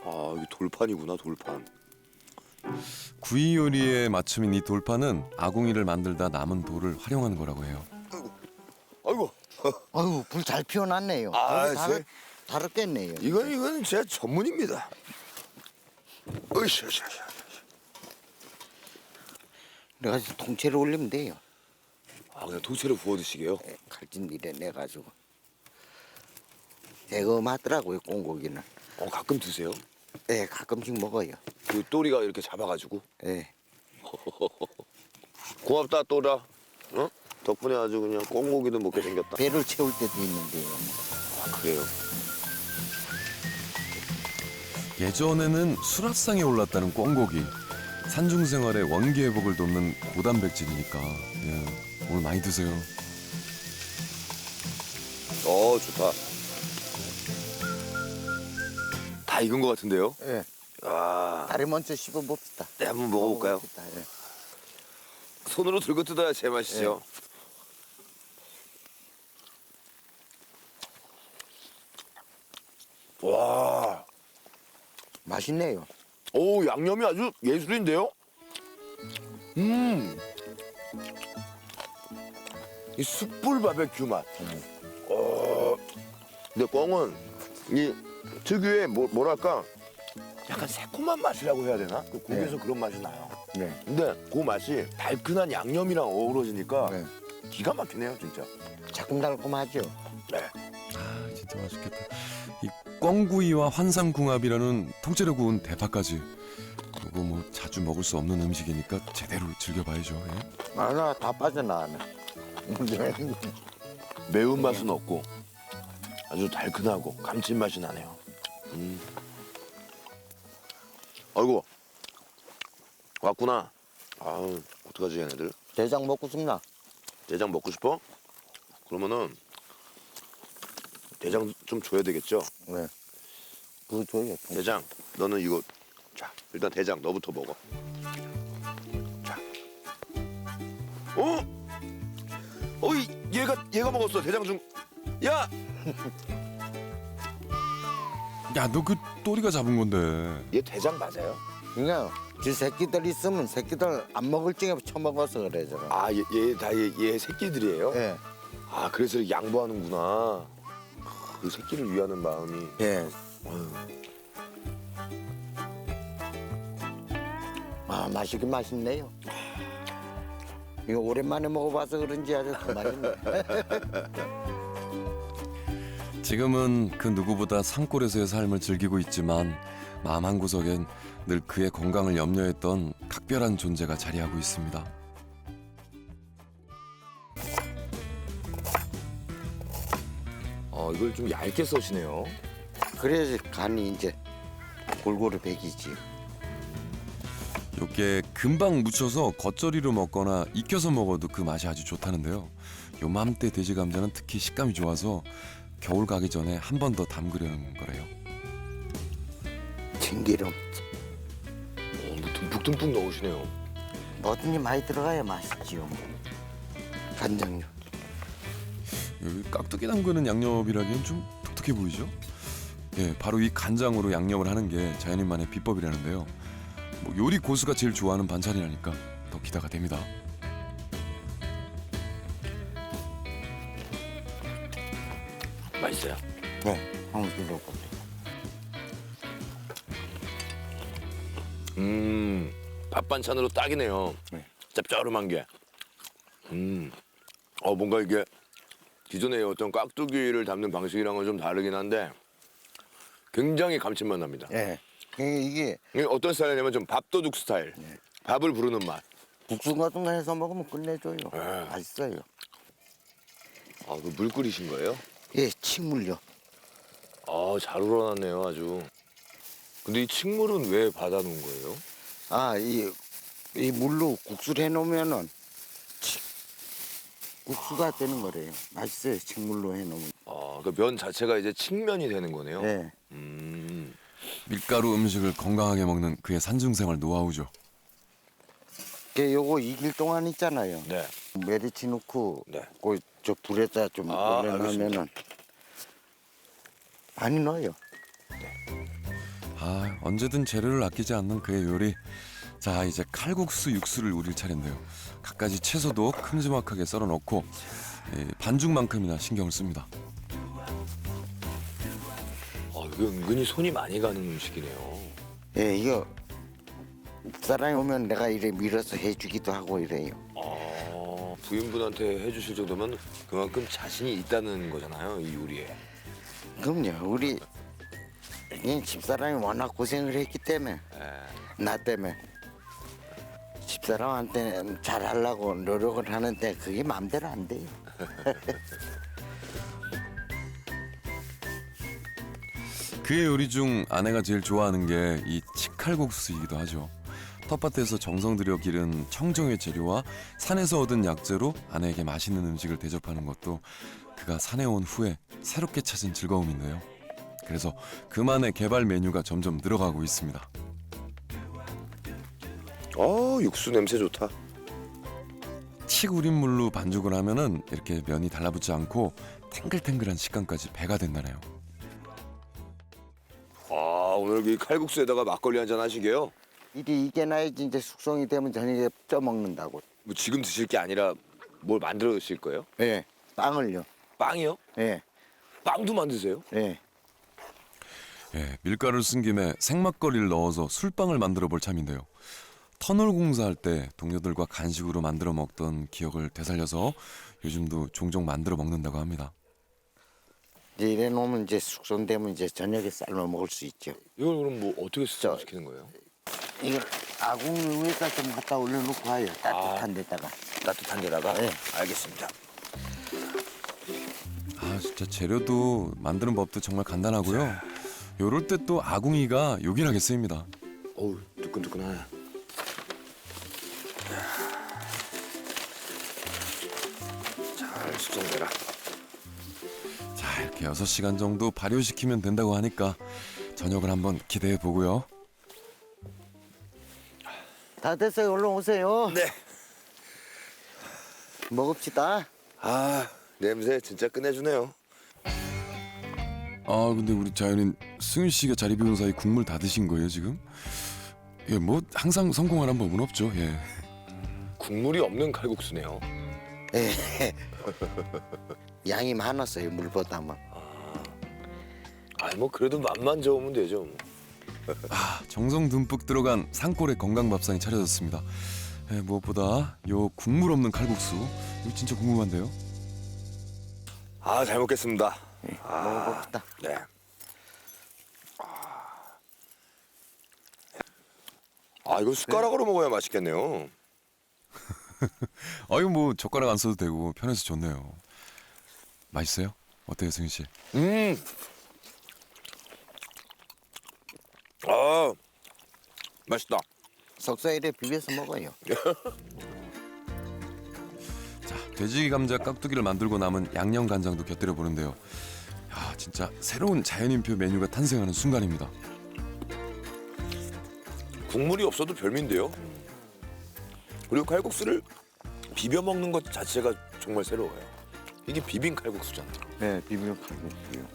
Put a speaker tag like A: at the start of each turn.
A: 아, 이게 돌판이구나, 돌판.
B: 구이 요리의 맞춤인 이 돌판은 아궁이를 만들다 남은 돌을 활용하는 거라고 해요.
A: 아이고,
C: 아유, 불 잘 피워놨네요.
A: 아,
C: 다르겠네요.
A: 이건 제 전문입니다. 으쌰.
C: 내가 통째로 올리면 돼요.
A: 아, 그냥 통째로 부어 드시게요?
C: 칼진 일에 내가지고. 대검하더라고요, 꽁고기는.
A: 가끔 드세요?
C: 네, 가끔씩 먹어요.
A: 그 또리가 이렇게 잡아가지고.
C: 네.
A: 고맙다, 또라. 어? 덕분에 아주 그냥 꽁고기도 먹게 생겼다.
C: 배를 채울 때도 있는데요.
A: 아, 그래요?
B: 예전에는 수라상에 올랐다는 꿩고기. 산중 생활의 원기 회복을 돕는 고단백질이니까 오늘 많이 드세요.
A: 좋다. 다 익은 것 같은데요?
C: 네.
A: 아,
C: 다리 먼저 씹어봅시다.
A: 네, 한번 먹어볼까요?
C: 먹어봅시다, 예.
A: 손으로 들고 뜯어야 제맛이죠. 와,
C: 맛있네요.
A: 오, 양념이 아주 예술인데요? 이 숯불 바베큐 맛. 근데 꿩은 이 특유의 뭐랄까 약간 새콤한 맛이라고 해야 되나? 그 고기에서 그런 맛이 나요.
C: 네.
A: 근데 그 맛이 달큰한 양념이랑 어우러지니까
C: 네.
A: 기가 막히네요, 진짜.
C: 자kum달콤하죠.
A: 네.
B: 아 진짜 맛있겠다. 이 꿩구이와 환상궁합이라는 통째로 구운 대파까지. 이거 뭐 자주 먹을 수 없는 음식이니까 제대로 즐겨봐야죠. 예?
C: 나 다 빠져나가네.
A: 매운맛은 없고 아주 달큰하고 감칠맛이 나네요. 아이고, 왔구나. 아우, 어떡하지, 얘네들?
C: 대장 먹고 싶나?
A: 대장 먹고 싶어? 그러면은 대장 좀 줘야 되겠죠?
C: 네. 그거 줘요.
A: 대장, 너는 이거. 자, 일단 대장 너부터 먹어. 자. 얘가 먹었어. 대장 좀. 야,
B: 야, 너 그 또리가 잡은 건데.
A: 얘 대장 맞아요?
C: 그냥 지 새끼들 있으면 새끼들 안 먹을 적에 처먹어서 그래 저거.
A: 아, 얘 새끼들이에요?
C: 예.
A: 아, 그래서 이렇게 양보하는구나. 그 새끼를 위하는 마음이.
C: 예.
A: 어휴.
C: 아 맛있긴 맛있네요. 이거 오랜만에 먹어봐서 그런지 아주 더 맛있네.
B: 지금은 그 누구보다 산골에서의 삶을 즐기고 있지만 마음 한구석엔 늘 그의 건강을 염려했던 각별한 존재가 자리하고 있습니다.
A: 이걸 좀 얇게 써시네요.
C: 그래야지 간이 이제 골고루 배기지.
B: 요게 금방 무쳐서 겉절이로 먹거나 익혀서 먹어도 그 맛이 아주 좋다는데요. 요맘때 돼지 감자는 특히 식감이 좋아서 겨울 가기 전에 한 번 더 담그려는 거래요.
C: 참기름
A: 뭐 듬뿍듬뿍 넣으시네요.
C: 뭐든지 많이 들어가야 맛있지요. 뭐. 간장류.
B: 여기 깍두기 담그는 양념이라기엔 좀 독특해 보이죠? 예, 바로 이 간장으로 양념을 하는 게 자연인만의 비법이라는데요. 뭐 요리 고수가 제일 좋아하는 반찬이라니까 더 기대가 됩니다.
A: 맛있어요.
C: 네. 한번 드셔보세요.
A: 밥 반찬으로 딱이네요.
C: 네.
A: 짭조름한 게. 뭔가 이게 기존의 어떤 깍두기를 담는 방식이랑은 좀 다르긴 한데 굉장히 감칠맛 납니다.
C: 예. 이게
A: 이게 어떤 스타일이냐면 좀 밥도둑 스타일. 밥을 부르는 맛.
C: 국수 같은 거 해서 먹으면 끝내줘요.
A: 네.
C: 맛있어요.
A: 그 물 끓이신 거예요?
C: 예, 식물요.
A: 잘 우러났네요, 아주. 근데 이 칡물은 왜 받아놓은 거예요?
C: 이 물로 국수를 해놓으면은 국수가 되는 거래요. 맛있어요. 식물로 해놓으면.
A: 그 면 자체가 이제 칡면이 되는 거네요.
C: 네.
B: 밀가루 음식을 건강하게 먹는 그의 산중생활 노하우죠.
C: 요거 2일 동안 있잖아요.
A: 네.
C: 메리치 넣고
A: 네.
C: 저 불에다 좀 올려놓으면은 많이 넣어요.
B: 아, 언제든 재료를 아끼지 않는 그의 요리. 자, 이제 칼국수 육수를 우릴 차례인데요. 갖가지 채소도 큼지막하게 썰어 넣고 반죽만큼이나 신경을 씁니다.
A: 이거 은근히 손이 많이 가는 음식이네요.
C: 예, 이거 사람이 오면 내가 이래 밀어서 해주기도 하고 이래요.
A: 부인분한테 해주실 정도면 그만큼 자신이 있다는 거잖아요, 이 요리에.
C: 그럼요. 우리 그냥 집사람이 워낙 고생을 했기 때문에 나 때문에 집사람한테는 잘하려고 노력을 하는데 그게 마음대로 안 돼요.
B: 그의 요리 중 아내가 제일 좋아하는 게 이 치칼국수이기도 하죠. 텃밭에서 정성 들여 기른 청정의 재료와 산에서 얻은 약재로 아내에게 맛있는 음식을 대접하는 것도 그가 산에 온 후에 새롭게 찾은 즐거움인데요. 그래서 그만의 개발 메뉴가 점점 늘어가고 있습니다.
A: 육수 냄새 좋다.
B: 칡 우린 물로 반죽을 하면은 이렇게 면이 달라붙지 않고 탱글탱글한 식감까지 배가 된다네요.
A: 오늘 이 칼국수에다가 막걸리 한잔 하시게요?
C: 이게 나야지 이제 숙성이 되면 저녁에 쪄 먹는다고.
A: 뭐 지금 드실 게 아니라 뭘 만들어 드실 거예요?
C: 예, 빵을요.
A: 빵이요?
C: 예,
A: 빵도 만드세요?
C: 예.
B: 예, 밀가루를 쓴 김에 생막걸리를 넣어서 술빵을 만들어 볼 참인데요. 터널 공사할 때 동료들과 간식으로 만들어 먹던 기억을 되살려서 요즘도 종종 만들어 먹는다고 합니다.
C: 이제 이래 놓으면 이제 숙성되면 이제 저녁에 삶아 먹을 수 있죠.
A: 이걸 그럼 뭐 어떻게 숙성시키는 거예요?
C: 이걸 아궁 위에다 좀 갖다 올려놓고 와요. 따뜻한 데다가.
A: 따뜻한 데다가?
C: 네.
A: 알겠습니다.
B: 아, 진짜 재료도 만드는 법도 정말 간단하고요. 요럴 때 또 아궁이가 요긴하게 쓰입니다.
A: 어우, 뜨끈뜨끈하네. 잘 숙성되라.
B: 자, 이렇게 6시간 정도 발효시키면 된다고 하니까 저녁을 한번 기대해 보고요.
C: 다 됐어요. 얼른 오세요.
A: 네.
C: 먹읍시다.
A: 냄새 진짜 끝내주네요.
B: 아, 근데 우리 자연인 승윤 씨가 자리 비운 사이 국물 다 드신 거예요, 지금? 예, 뭐 항상 성공하는 법은 없죠. 예.
A: 국물이 없는 칼국수네요.
C: 예. 양이 많았어요. 물보다만.
A: 뭐 그래도 맛만 좋으면 되죠. 뭐.
B: 아, 정성 듬뿍 들어간 산골의 건강 밥상이 차려졌습니다. 예, 무엇보다 요 국물 없는 칼국수 이거 진짜 궁금한데요.
A: 잘 먹겠습니다.
C: 먹어봅시다.
A: 네. 이거 숟가락으로 먹어야 맛있겠네요.
B: 이거 뭐 젓가락 안 써도 되고 편해서 좋네요. 맛있어요? 어때요, 승윤 씨?
A: 맛있다.
C: 석쇠에 비벼서 먹어요.
B: 자, 돼지 감자 깍두기를 만들고 남은 양념 간장도 곁들여 보는데요. 야, 진짜 새로운 자연인표 메뉴가 탄생하는 순간입니다.
A: 국물이 없어도 별미인데요. 그리고 칼국수를 비벼 먹는 것 자체가 정말 새로워요. 이게 비빔 칼국수잖아요.
C: 네, 비벼 칼국수요.